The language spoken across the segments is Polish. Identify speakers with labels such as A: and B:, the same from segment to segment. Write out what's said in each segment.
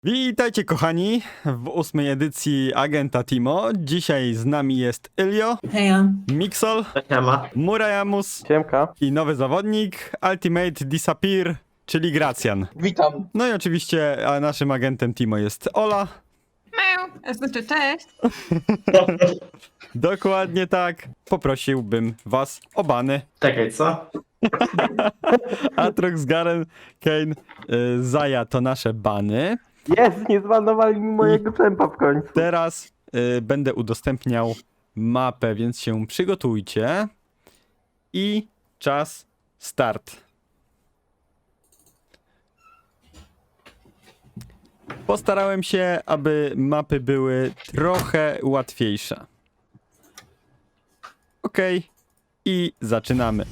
A: Witajcie kochani w 8. edycji Agenta Timo. Dzisiaj z nami jest Ilio,
B: Heja.
A: Mixol,
C: Siema.
A: Murajamus
D: Siemka.
A: i nowy zawodnik Ultimate Disappear, czyli Gracjan.
D: Witam.
A: No i oczywiście naszym agentem Timo jest Ola.
B: Znaczy cześć.
A: Dokładnie tak. Poprosiłbym was o bany.
C: Czekaj, co?
A: Atrox, Garen, Kane, Zaya to nasze bany.
D: Jest, nie zbanowali mi mojego czempa w końcu.
A: Teraz będę udostępniał mapę, więc się przygotujcie. I czas start. Postarałem się, aby mapy były trochę łatwiejsze. Ok. I zaczynamy.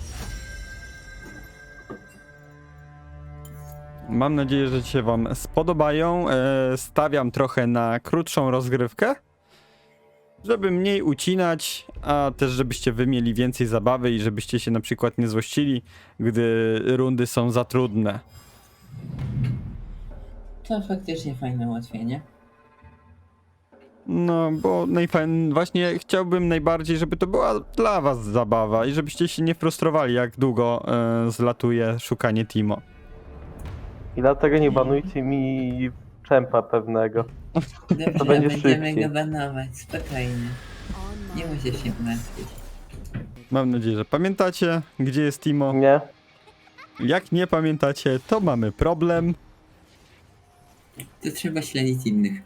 A: Mam nadzieję, że się wam spodobają. Stawiam trochę na krótszą rozgrywkę, żeby mniej ucinać, a też żebyście wy mieli więcej zabawy i żebyście się na przykład nie złościli, gdy rundy są za trudne.
B: To faktycznie fajne ułatwienie.
A: No, bo właśnie chciałbym najbardziej, żeby to była dla was zabawa i żebyście się nie frustrowali, jak długo zlatuje szukanie Timo.
D: I dlatego nie banujcie mi czempa pewnego.
B: Dobrze,
D: To będzie
B: będziemy
D: szybciej.
B: go banować, spokojnie. Nie musisz się martwić.
A: Mam nadzieję, że pamiętacie, gdzie jest Timo.
D: Nie?
A: Jak nie pamiętacie, to mamy problem.
B: To trzeba śledzić innych.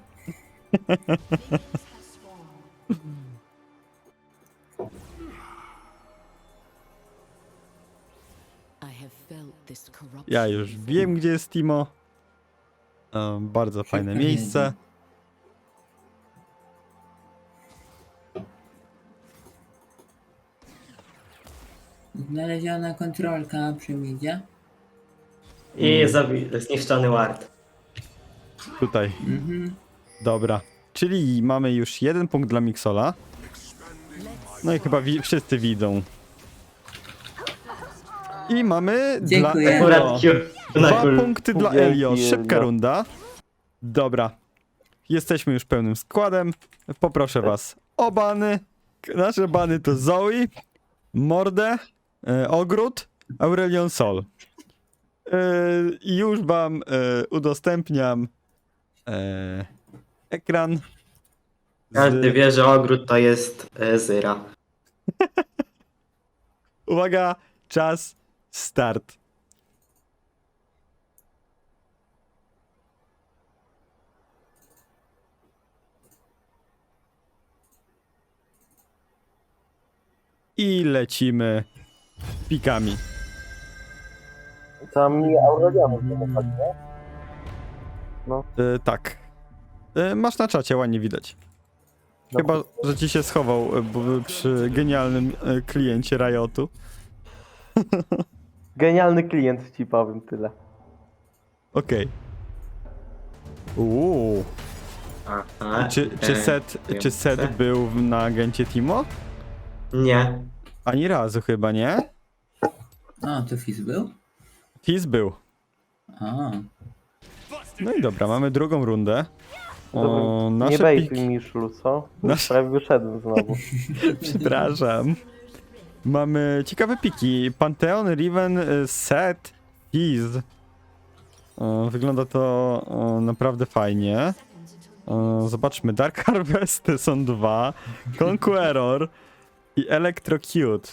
A: Ja już wiem, gdzie jest Timo. Bardzo fajne miejsce.
B: Znaleziona kontrolka przy midzie.
C: I zniszczony ward.
A: Tutaj.
B: Mhm.
A: Dobra. Czyli mamy już 1 punkt dla Mixola. No i chyba wszyscy widzą. I mamy
B: Dziękuję.
A: dla Elio.
C: Akurat Q na
A: 2
C: kul.
A: punkty dla
D: Dzięki,
A: Elio. Szybka
D: Elio.
A: runda. Dobra. Jesteśmy już pełnym składem. Poproszę was o bany. Nasze bany to Zoe, Mordę, Ogród, Aurelion Sol. I już wam udostępniam ekran.
C: Każdy wie, że ogród to jest Zyra.
A: Uwaga, czas, start. I lecimy pikami.
D: Tam mi Aurelianów nie nie? No.
A: Tak. Masz na czacie, ładnie widać. Chyba, że ci się schował przy genialnym kliencie Riotu.
D: Genialny klient ci powiem tyle.
A: Okej. Uuu.
C: Aha.
A: Czy set był na agencie Timo?
C: Nie.
A: Ani razu chyba, nie?
B: O, to Fizz był?
A: Fizz był.
B: O.
A: No i dobra, mamy drugą rundę. O,
D: Dobra, nie
A: nasze
D: bejtuj
A: piki...
D: mi szlu, co?
A: Nasz-
D: Prawie wyszedłem znowu.
A: Przepraszam. Mamy ciekawe piki. Pantheon, Riven, Set, Fizz. Wygląda to naprawdę fajnie. Zobaczmy, Dark Harvest są 2, Conqueror i Electrocute.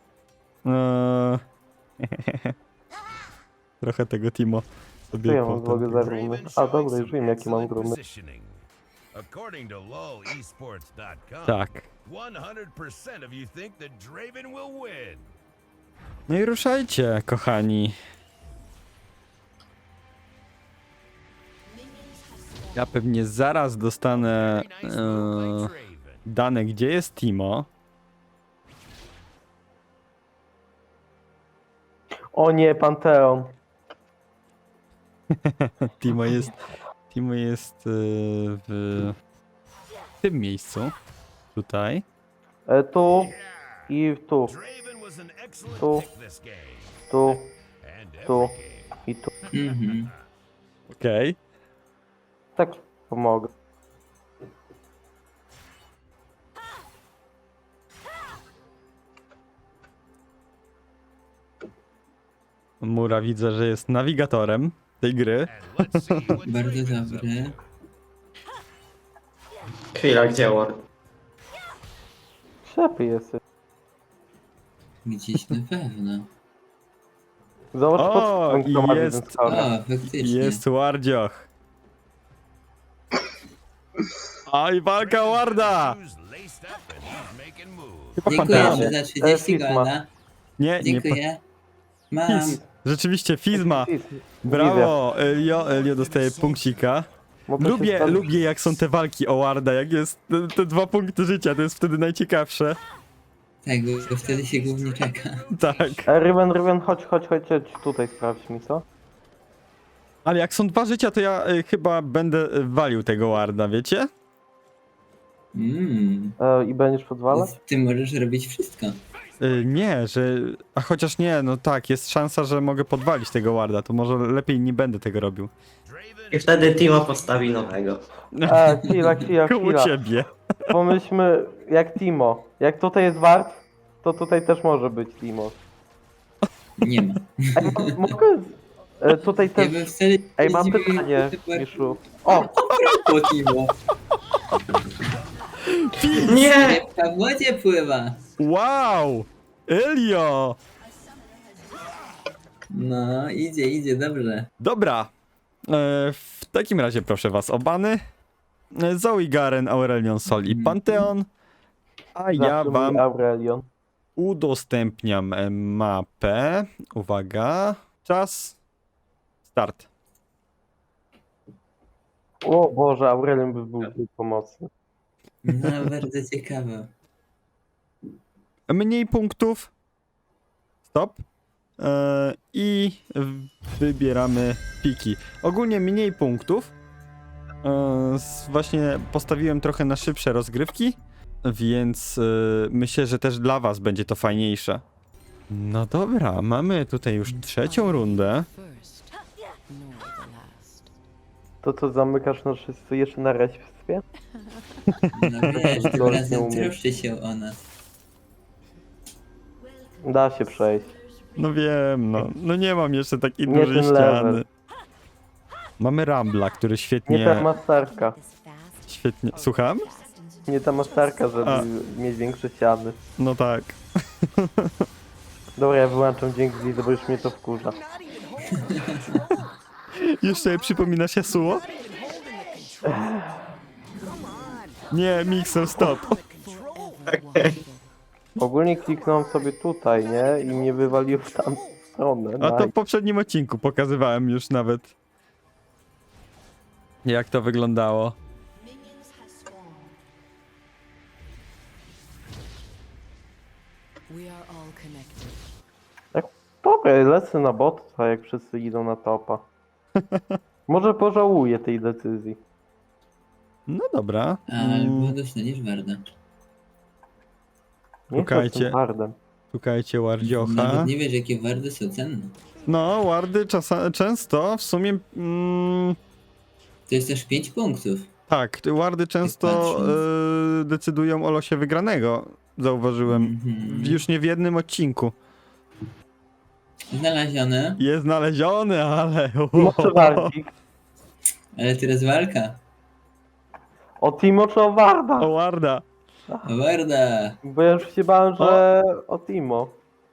A: Trochę tego Timo
D: Co
A: sobie
D: ja mam w ogóle za runy? A dobra, już wiem jakie mam runy.
E: According to lolesports.com,
A: Tak.
E: 100% of you think that Draven will win.
A: No i ruszajcie, kochani. Ja pewnie zaraz dostanę
E: Very nice move by Draven.
A: dane, gdzie jest Timo.
D: O nie, Panteon.
A: Timo jest w tym miejscu. Tutaj.
D: Tu i tu,
E: Draven was an excellent
D: Tu.
E: pick this game.
D: tu,
E: And
D: tu
E: every game.
D: i tu.
B: Mhm.
A: Okej.
D: Tak pomogę.
A: Mura widzę, że jest nawigatorem tej gry.
E: And let's see what
B: Bardzo
E: Draven's up
B: dobry.
C: Chwila, gdzie Ward?
D: Ślepy jesteś.
B: Gdzieś na pewno.
D: Zobacz,
A: O,
D: pod kto ma
A: jest.
D: jeden skałę.
B: O, faktycznie.
A: Jest Wardzioch. Oj, walka Warda!
E: shoes laced up and he's making moves.
A: Chyba
B: Dziękuję
A: Panteon.
B: za 30
D: Fizma.
B: golda.
A: Nie, nie.
B: Dziękuję. Mam.
A: Fizz. Rzeczywiście, Fizma.
D: Widzę.
A: Brawo, Elio dostaje punkcika.
D: Bo to się
A: Lubię,
D: stało-
A: lubię jak są te walki o Warda, jak jest te 2 punkty życia, to jest wtedy najciekawsze.
B: Tak, bo wtedy się głównie czeka.
A: Tak.
D: Rywen, chodź, tutaj sprawdź mi, co?
A: Ale jak są 2 życia, to ja chyba będę walił tego Warda, wiecie?
D: I będziesz podwalać?
B: Ty możesz robić wszystko.
A: Nie, że... A chociaż nie, no tak, jest szansa, że mogę podwalić tego Warda, to może lepiej nie będę tego robił.
E: Draven
C: I wtedy Timo postawi nowego.
D: Chwila.
A: Koło ciebie.
D: Pomyślmy, jak Timo. Jak tutaj jest Wart, to tutaj też może być Timo.
B: Nie ma.
D: Ej, mogę... Tutaj
B: Ja
D: też...
B: bym wtedy...
D: Ej, mam pytanie, Miszu. O!
B: Po Timo.
C: Nie!
B: Rybka w wodzie pływa.
A: Wow! Elio!
B: No, idzie, dobrze.
A: Dobra. W takim razie proszę was o bany. Zoe, Garen, Aurelion, Sol i Pantheon. A ja
D: Zawsze mój
A: wam
D: Aurelion.
A: udostępniam mapę. Uwaga. Czas. Start.
D: O Boże, Aurelion by był pomocny.
B: No, bardzo ciekawe.
A: Mniej punktów. Stop. I wybieramy piki. Ogólnie mniej punktów. Właśnie postawiłem trochę na szybsze rozgrywki, więc myślę, że też dla was będzie to fajniejsze. No dobra, mamy tutaj już 3. rundę.
D: To co, zamykasz nas wszyscy jeszcze na respie?
B: No wiesz, tym
D: Lol, nie
B: razem
D: umiem.
B: troszczy się o nas.
D: Da się przejść.
A: No wiem, no nie mam jeszcze takiej
D: Nie
A: dużej
D: ten
A: ściany.
D: level.
A: Mamy Rambla, który
D: Nie ta
A: świetnie...
D: masterka.
A: Świetnie... Słucham?
D: Nie ta masterka, żeby
A: A.
D: mieć większe ściany.
A: No tak.
D: Dobra, ja wyłączam dźwięk z widzę, bo już mnie to wkurza.
A: Już sobie przypominasz Yasuo? Nie, Mixer, stop.
D: Ogólnie kliknąłem sobie tutaj, nie? I mnie wywalił w tamtą stronę.
A: A to w
D: Nice.
A: poprzednim odcinku pokazywałem już nawet. Jak to wyglądało.
F: We are all connected.
D: Dobra, lecę na bota, jak wszyscy idą na topa. Może pożałuję tej decyzji.
A: No dobra.
B: Albo dostaniesz Warda.
D: Nie
A: Szukajcie.
D: jestem hardem.
A: Szukajcie Wardziocha.
B: Nawet nie wiesz, jakie Wardy są cenne.
A: No, Wardy często w sumie...
B: To jest też 5 punktów.
A: tak, Wardy często
B: patrząc.
A: decydują o losie wygranego. Zauważyłem.
B: Mhm.
A: Już nie w jednym odcinku.
B: Znalezione,
A: Jest znaleziony, ale...
D: Może Wardik.
B: ale teraz walka.
D: O Timo czy o Warda?
A: O Warda.
B: Warda!
D: Bo ja już się bałem, że o Timo.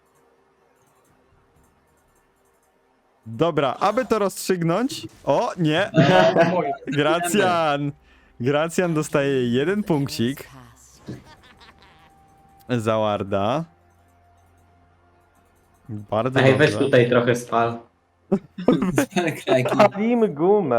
A: Dobra, aby to rozstrzygnąć... O, nie! Gracjan! Gracjan dostaje 1 punkcik za Warda. Bardzo
C: Ej, weź
A: dobrze.
C: tutaj trochę spal.
B: Spal kraki.
D: Palimy gumę.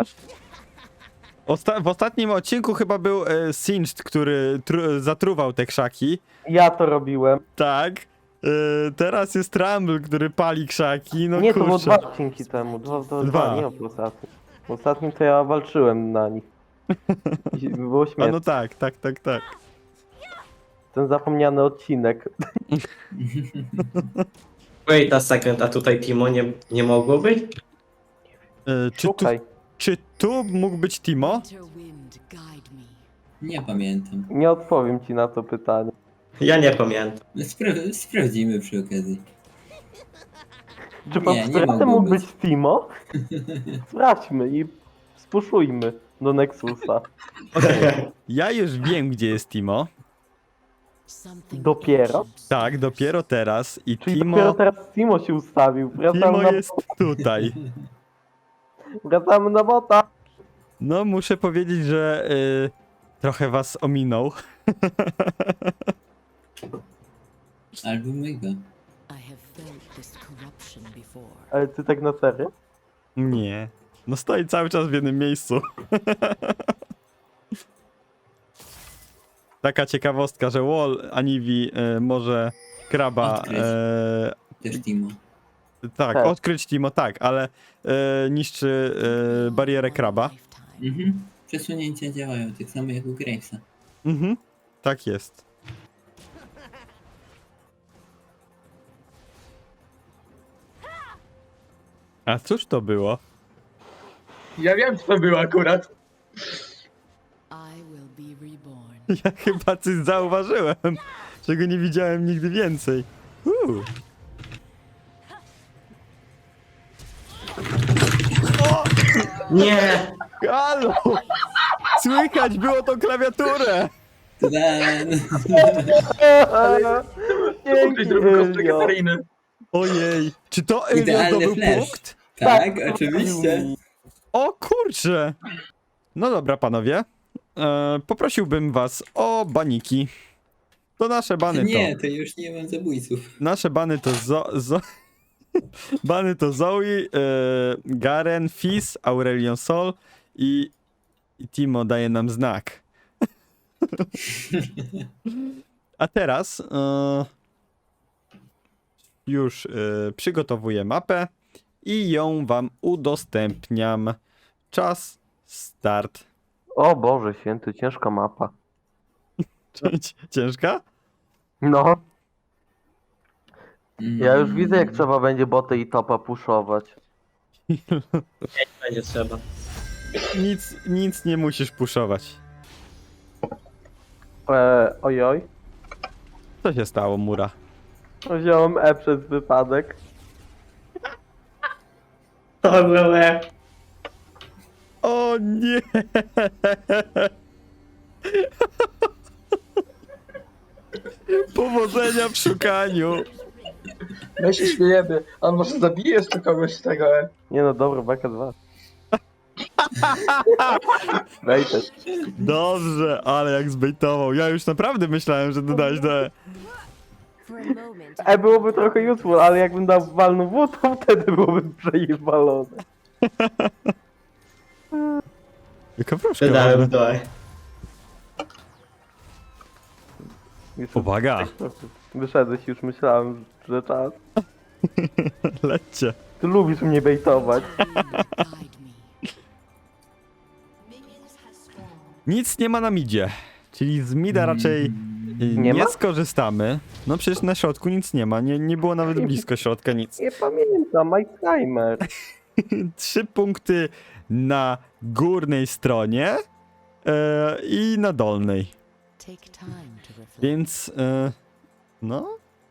A: W ostatnim odcinku chyba był Singed, który zatruwał te krzaki.
D: Ja to robiłem.
A: Tak. Teraz jest Rumble, który pali krzaki. No
D: Nie, to było
A: kurczę.
D: 2 odcinki temu. Dwa, nie w ostatnim. W ostatnim to ja walczyłem na nich. I było
A: A
D: śmieszne.
A: no tak.
D: Ten zapomniany odcinek.
C: Wait a second, a tutaj Timo nie mogło być?
A: Czy, tu,
D: Szukaj.
A: Czy tu mógł być Timo?
F: Winterwind, guide me.
B: Nie pamiętam.
D: Nie odpowiem ci na to pytanie.
C: Ja nie pamiętam.
B: Sprawdzimy przy okazji.
D: Czy pod
B: Nie
D: stratem
B: mogło
D: mógł
B: być.
D: być Timo? Sprawdźmy i spuszujmy do Nexusa.
A: Ja już wiem, gdzie jest Timo.
F: Something
D: Dopiero?
F: ancient.
A: Tak, dopiero teraz. I
D: Czyli dopiero
A: Timo,
D: teraz Timo się ustawił.
A: Timo jest tutaj.
D: Wracamy na bota.
A: No, muszę powiedzieć, że trochę was ominął.
B: Albo mego.
F: I have felt this corruption before.
D: Ale ty tak na serio?
A: Nie. No stoi cały czas w jednym miejscu. Taka ciekawostka, że Wall Aniwi może kraba...
B: Odkryć. Też Timo.
A: tak,
D: Tak.
A: odkryć Timo, tak, ale niszczy barierę kraba.
F: Lifetime.
B: Mhm. Przesunięcia działają tak samo jak u Gravesa.
A: Mhm, tak jest. A cóż to było?
G: Ja wiem, co to było akurat.
F: I will be reborn.
A: Ja chyba coś zauważyłem, czego nie widziałem nigdy więcej.
C: Nie!
A: Halo! Słychać było tą klawiaturę!
B: Tadam!
G: Ukryć drugą kostkę
D: Elio.
G: Katariny.
A: Ojej, czy to Elio
B: Idealny
A: zdobył
B: flash.
A: punkt?
B: Tak, oczywiście.
A: O kurczę! No dobra, panowie. Poprosiłbym was o baniki. To nasze bany
B: Nie,
A: to.
B: to już nie mam zabójców.
A: Nasze bany to bany to Zoe, Garen, Fizz, Aurelion Sol i Timo daje nam znak. A teraz już przygotowuję mapę i ją wam udostępniam. Czas, start.
D: O Boże święty, ciężka mapa.
A: Ciężka?
D: No, ja już
B: Mm.
D: widzę jak trzeba będzie boty i topa puszować.
C: Będzie trzeba.
A: Nic nie musisz puszować.
D: Ojoj.
A: Co się stało, Mura?
D: Wziąłem E przez wypadek.
C: To było.
A: O nie! Powodzenia w szukaniu.
G: My się śmiejemy. On może zabije jeszcze kogoś z tego.
D: Nie no, dobra, baka 2. Wejdę.
A: Dobrze, ale jak zbejtował. Ja już naprawdę myślałem, że dodałeś do E.
F: For a moment,
D: E byłoby trochę useful, ale jakbym dał walną W, to wtedy byłoby przejewalone.
A: Jaka wróżka
C: Dodałem
A: ładna.
C: do.
A: Uwaga,
D: Wyszedłeś już, myślałem, że czas.
A: lećcie.
D: Ty lubisz mnie bejtować.
F: guide me.
A: Nic nie ma na midzie. Czyli z mida raczej nie
D: ma?
A: skorzystamy. No przecież na środku nic nie ma. Nie było nawet blisko środka nic.
D: Nie pamiętam, Alzheimer.
A: 3 punkty na górnej stronie i na dolnej.
F: Take time to reflect.
A: Więc no.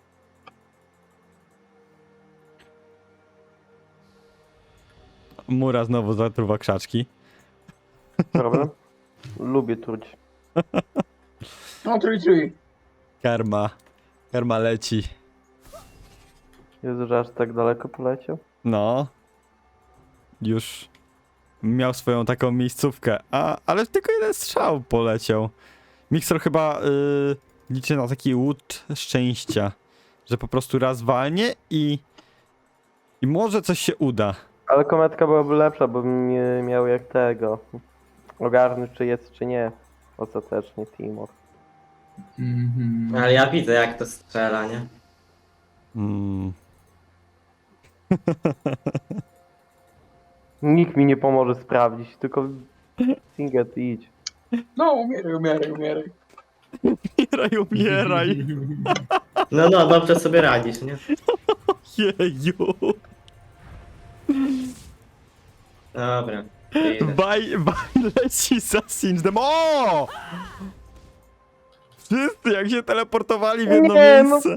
A: Mura znowu zatruwa krzaczki.
D: Problem? Lubię truć.
G: No, trój.
A: Karma leci.
D: Jezu, że aż tak daleko poleciał.
A: No. Już miał swoją taką miejscówkę. Ale tylko jeden strzał poleciał. Mixer chyba liczy na taki łód szczęścia. Że po prostu raz walnie i może coś się uda.
D: Ale kometka byłaby lepsza, bo bym nie miał jak tego. Ogarnąć, czy jest, czy nie. Ostatecznie, Timor.
B: Mhm.
C: Ale ja widzę jak to strzela, nie?
A: Mm.
D: Nikt mi nie pomoże sprawdzić, tylko Singet idź.
G: No, umieraj.
A: Umieraj.
C: No, dobrze sobie radzisz, nie?
A: Jeju.
C: Dobra.
A: Baj leci za Singem. O! Wszyscy jak się teleportowali w jedno
D: Nie, no.
A: miejsce.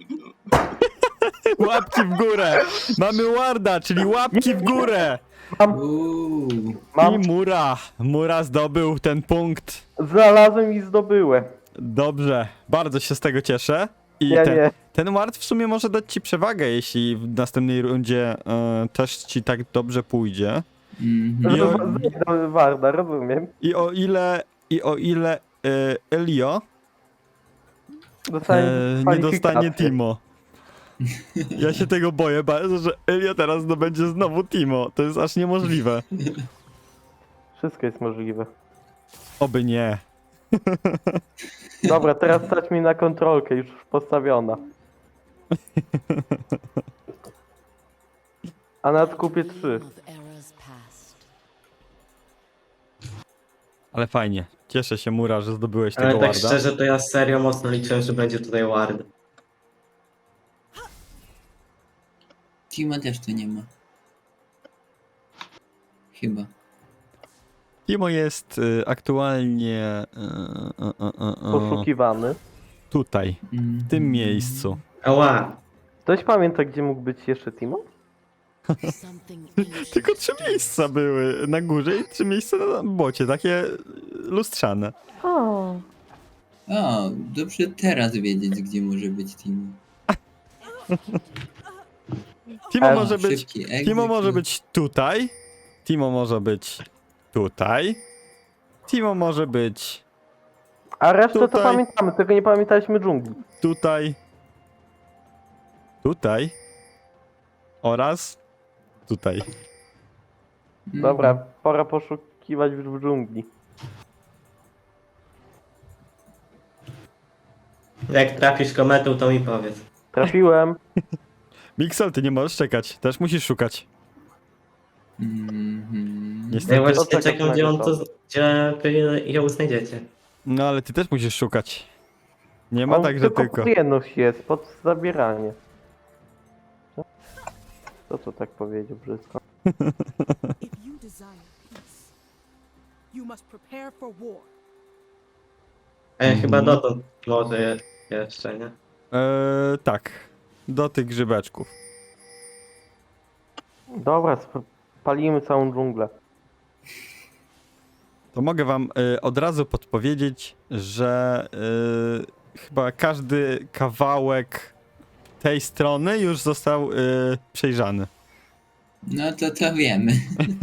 A: Łapki w górę. Mamy warda, czyli łapki w górę.
B: Uuu.
D: Mam,
A: I Mura zdobył ten punkt.
D: znalazłem i zdobyłem.
A: Dobrze, bardzo się z tego cieszę. I
D: Nie.
A: ten ward w sumie może dać ci przewagę, jeśli w następnej rundzie też ci tak dobrze pójdzie.
B: Mhm.
A: I o-
D: Zejdę Warda, rozumiem.
A: I o ile Elio
D: Dostałem
A: nie dostanie
D: kwalifikację.
A: Timo. Ja się tego boję bardzo, że Elio teraz zdobędzie znowu Timo. To jest aż niemożliwe.
D: Wszystko jest możliwe.
A: Oby nie.
D: Dobra, teraz stać mi na kontrolkę, już postawiona. A nad kupię 3.
F: Dream of eras past.
A: Ale fajnie. Cieszę się, Mura, że zdobyłeś
C: Ale
A: tego
C: tak
A: warda.
C: szczerze, to ja serio mocno liczyłem, że będzie tutaj ward.
B: Timo też tu nie ma. Chyba.
A: Timo jest aktualnie
D: Poszukiwany.
A: tutaj, w tym miejscu.
C: Ała!
D: Ktoś pamięta, gdzie mógł być jeszcze Timo?
F: Something ancient
A: Tylko 3
F: stirs.
A: miejsca były na górze i 3 miejsca na bocie, takie lustrzane.
B: O, dobrze teraz wiedzieć, gdzie może być Timo.
A: Timo
D: A,
A: może być,
B: Szybki exit.
A: Timo może być tutaj, Timo może być tutaj, Timo może być
D: A resztę to
A: Tutaj.
D: pamiętamy, tylko nie pamiętaliśmy dżungli.
A: tutaj, tutaj oraz tutaj.
B: Mhm.
D: Dobra, pora poszukiwać w dżungli.
C: Jak trafisz kometą, to mi powiedz.
D: Trafiłem.
A: Mixel, ty nie możesz czekać, też musisz szukać.
B: Mhm.
A: Niestety.
C: Ja właśnie
D: czekam
C: czekam,
D: na
C: gdzie
D: gotowe.
C: gdzie wy ją znajdziecie.
A: No ale ty też musisz szukać. Nie ma
D: On
A: tak, że tylko.
D: pod jedność jest, pod zabieranie. Co to tak powiedział brzydko?
H: If you desire peace, you must prepare for war.
C: Chyba dotąd może jeszcze, nie?
A: Tak, do tych grzybeczków.
D: Dobra, palimy całą dżunglę.
A: To mogę wam od razu podpowiedzieć, że chyba każdy kawałek tej strony już został przejrzany.
B: No to wiemy.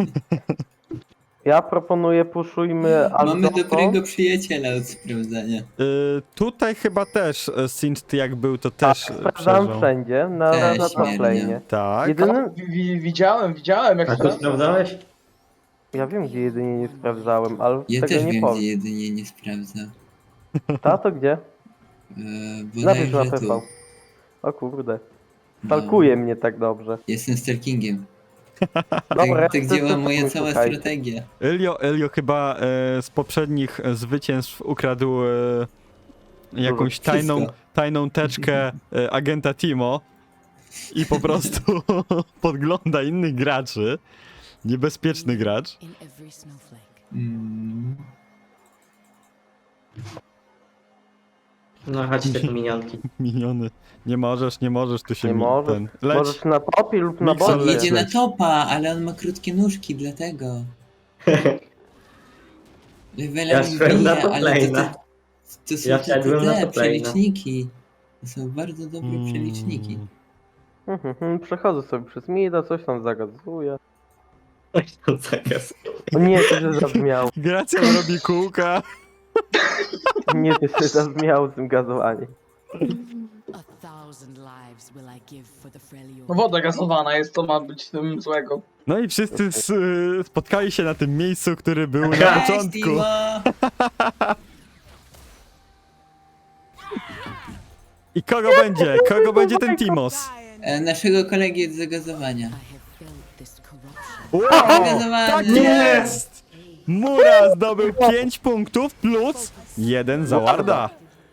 D: Ja proponuję puszujmy
B: Mamy
D: Aldonso.
B: dobrego przyjaciela od sprawdzania.
A: Tutaj chyba też Sint jak był, to też
D: Sprawdzam
A: przejrzał.
D: wszędzie, na
B: Też
D: top
B: śmiernie.
D: lane'ie.
A: Tak.
D: Jedynym...
G: Widziałem jak
C: A
G: to
C: tu sprawdzałeś?
D: Ja wiem, gdzie jedynie nie sprawdzałem, ale
B: Ja
D: tego
B: też
D: nie
B: wiem,
D: powiem.
B: gdzie jedynie nie sprawdza.
D: Tato gdzie? Napisz na
B: Bodajże
D: PV.
B: tu.
D: O kurde.
B: No.
D: Stalkuje mnie tak dobrze.
B: Jestem stalkingiem.
D: Dobra,
B: Tak
D: ja
B: działa
D: chcę
B: moja
D: sobie
B: cała
D: szukajcie.
B: strategia.
A: Elio chyba z poprzednich zwycięstw ukradł jakąś
B: Wszystko.
A: tajną teczkę agenta Timo i po prostu podgląda innych graczy. Niebezpieczny gracz.
F: In every snowflake.
B: Mm.
C: No chodźcie tu minionki.
A: Miniony. Nie możesz, tu się
D: Nie możesz.
A: ten. Leć.
D: Możesz na topie lub na
A: Mixer
B: On
D: bocie.
A: leci.
B: jedzie na topa, ale on ma krótkie nóżki, dlatego. Levelem
C: Ja szedłem na
B: bije,
C: top
B: ale
C: lane'a.
B: to są
C: Ja
B: tylko
C: szedłem na
B: te
C: top lane'a.
B: przeliczniki. To są bardzo dobre przeliczniki.
D: Przechodzę sobie przez mida, coś tam zagazuję.
C: Oj, tam zakaz.
D: O nie, to się zabrzmiało.
A: Gracja robi kółka.
D: Nie, to się zabrzmiało z tym gazowaniem.
F: A thousand lives will I give for the Freljord.
G: No woda gazowana jest, to ma być tym złego.
A: No i wszyscy spotkali się na tym miejscu, który był na
B: Cześć,
A: początku.
B: Timo!
A: I kogo będzie? Kogo będzie ten Timos?
B: Naszego kolegi od zagazowania.
F: I have felt this corruption.
A: Wow,
B: Zagazowany!
A: tak jest! Mura zdobył 5 punktów plus 1 za Warda.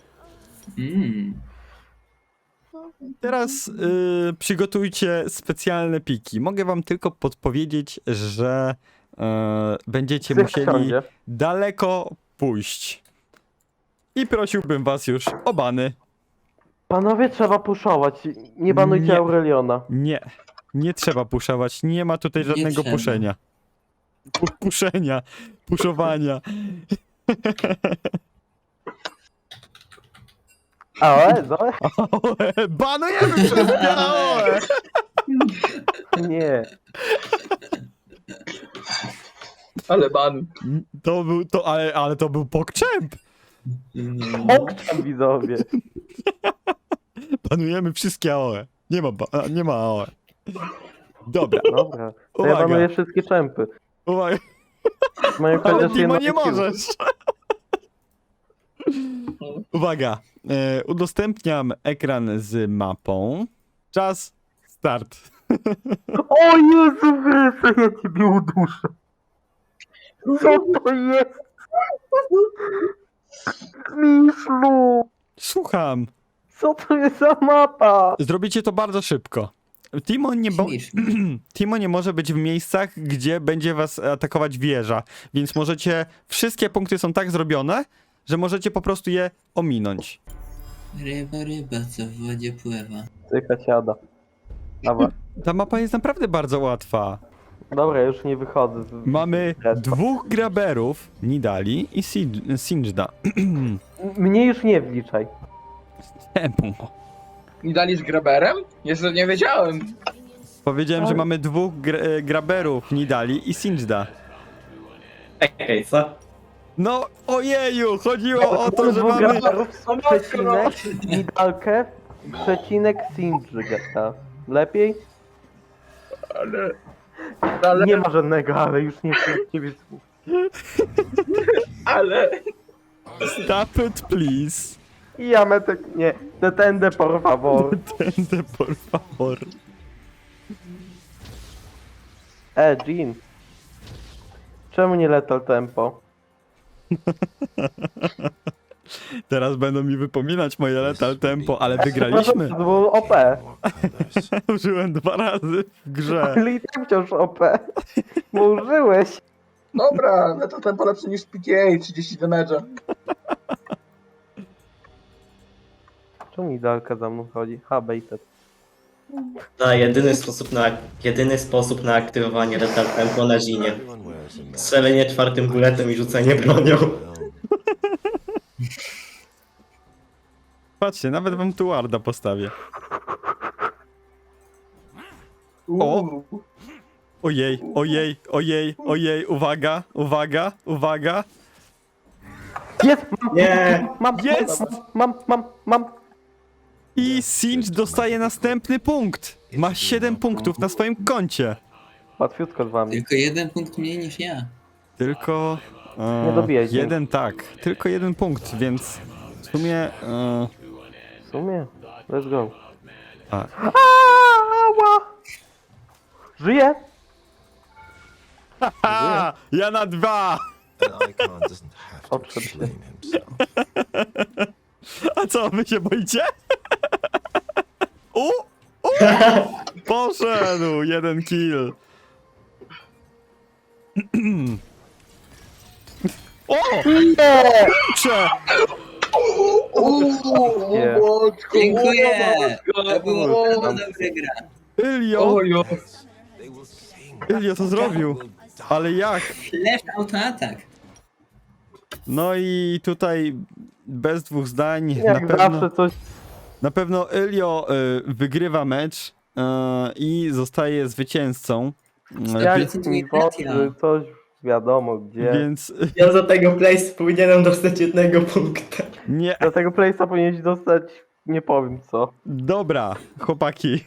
A: Teraz przygotujcie specjalne piki. Mogę wam tylko podpowiedzieć, że będziecie
D: Psy
A: musieli
D: wsiądzie.
A: daleko pójść. I prosiłbym was już o bany.
D: Panowie, trzeba puszować. Nie banujcie
A: Nie.
D: Aureliona.
A: Nie trzeba puszować, nie ma tutaj
B: Nie
A: żadnego
B: trzeba.
A: puszenia. Puszenia, puszowania.
D: AOE, Zoe?
A: AOE, banujemy wszystkie AOE!
D: Nie.
G: Ale ban.
A: Ale to był PogChamp!
D: Okczam, widzowie.
A: Banujemy wszystkie AOE. Nie ma AOE. Dobra,
D: Dobra. To ja
A: Uwaga.
D: banuję wszystkie czempy.
A: uwaga,
D: Mają
A: ale
D: chociaż
A: Dimo
D: jedno
A: nie
D: skill.
A: możesz. Uwaga, udostępniam ekran z mapą. Czas, start.
D: O Jezu Chryste, ja ciebie uduszę. Co to jest? Miszlu!
A: Słucham.
D: Co to jest za mapa?
A: Zrobicie to bardzo szybko.
B: Śmiesznie.
A: Timo nie może być w miejscach, gdzie będzie was atakować wieża, więc możecie... Wszystkie punkty są tak zrobione, że możecie po prostu je ominąć.
B: Ryba, co w wodzie pływa.
D: Cyka siada. Dobra.
A: Ta mapa jest naprawdę bardzo łatwa.
D: Dobra, już nie wychodzę.
A: Mamy dwóch graberów, Nidali i Singeda.
D: Mnie już nie wliczaj.
A: Czemu?
G: I dali z graberem? Jeszcze nie wiedziałem.
A: Powiedziałem, że mamy dwóch graberów, Nidali i Singeda.
C: Ej, co?
A: No, ojeju, chodziło o to, że
D: Dwóch
A: mamy...
D: graberów, przecinek, Nidalkę, przecinek Sindrga. Lepiej?
G: Ale,
D: Nie ma żadnego, ale już nie chcę ciebie słów.
G: ale.
A: Stop it, please.
D: I ja metek... Nie. Detende por favor.
A: Tędy, por favor.
D: Jean. Czemu nie lethal tempo?
A: Teraz będą mi wypominać moje lethal tempo, ale wygraliśmy.
D: To było OP.
A: Użyłem 2 razy w grze.
D: Ale i tak wciąż OP. Bo użyłeś.
G: Dobra, no to tempo lepszy niż PTA, 30 damage'a.
D: Czemu Nidalka za mną chodzi? Ha, baited.
C: Jedyny sposób na aktywowanie Lethal Tempo na Zinie. Strzelenie 4. buletem i rzucenie bronią.
A: Patrzcie, nawet wam tu warda postawię.
G: Uuu.
A: Ojej, ojej, ojej, ojej, uwaga, uwaga, uwaga.
D: Jest! Mam!
C: Nie!
D: Mam!
A: Jest!
D: Mam!
A: I Singe dostaje następny punkt. Ma 7 punktów na swoim koncie.
D: Łatwiutko z wami.
B: Tylko 1 punkt mniej niż ja.
A: Tylko...
D: Nie dobijajcie.
A: jeden tak, tylko 1 punkt, więc w sumie...
D: W sumie. Let's go.
A: Tak.
D: Ała! Żyję!
A: A, ja na 2!
D: Odszedł się.
A: A co, wy się boicie? U! Poszedł! 1 kill. O! Kurczę!
D: Nie.
B: Dziękuję! To było dobra gra.
A: Ilio!
G: Ojo.
A: Ilio to zrobił. Ale jak?
B: Flash autoatak.
A: No i tutaj bez dwóch zdań
D: Jak zawsze coś...
A: na pewno Ilio wygrywa mecz i zostaje zwycięzcą.
D: Jak mi wodzy, coś wiadomo gdzie.
A: Więc
C: Ja za tego place powinienem dostać 1 punkta.
A: nie.
D: Do tego place'a powinieneś dostać... Nie powiem co.
A: Dobra, chłopaki.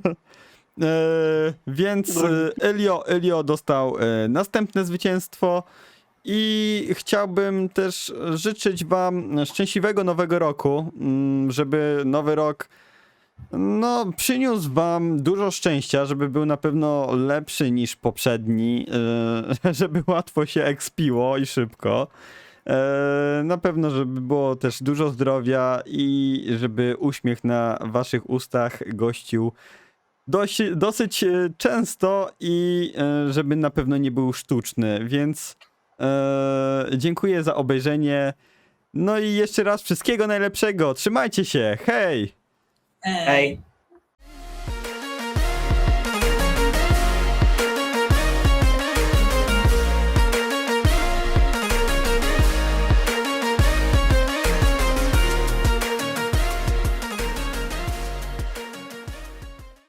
A: Więc Elio dostał następne zwycięstwo i chciałbym też życzyć wam szczęśliwego nowego roku, żeby nowy rok przyniósł wam dużo szczęścia, żeby był na pewno lepszy niż poprzedni, żeby łatwo się expiło i szybko. Na pewno, żeby było też dużo zdrowia i żeby uśmiech na waszych ustach gościł dosyć często i żeby na pewno nie był sztuczny, więc dziękuję za obejrzenie. No i jeszcze raz wszystkiego najlepszego. Trzymajcie się. Hej!
C: Hej!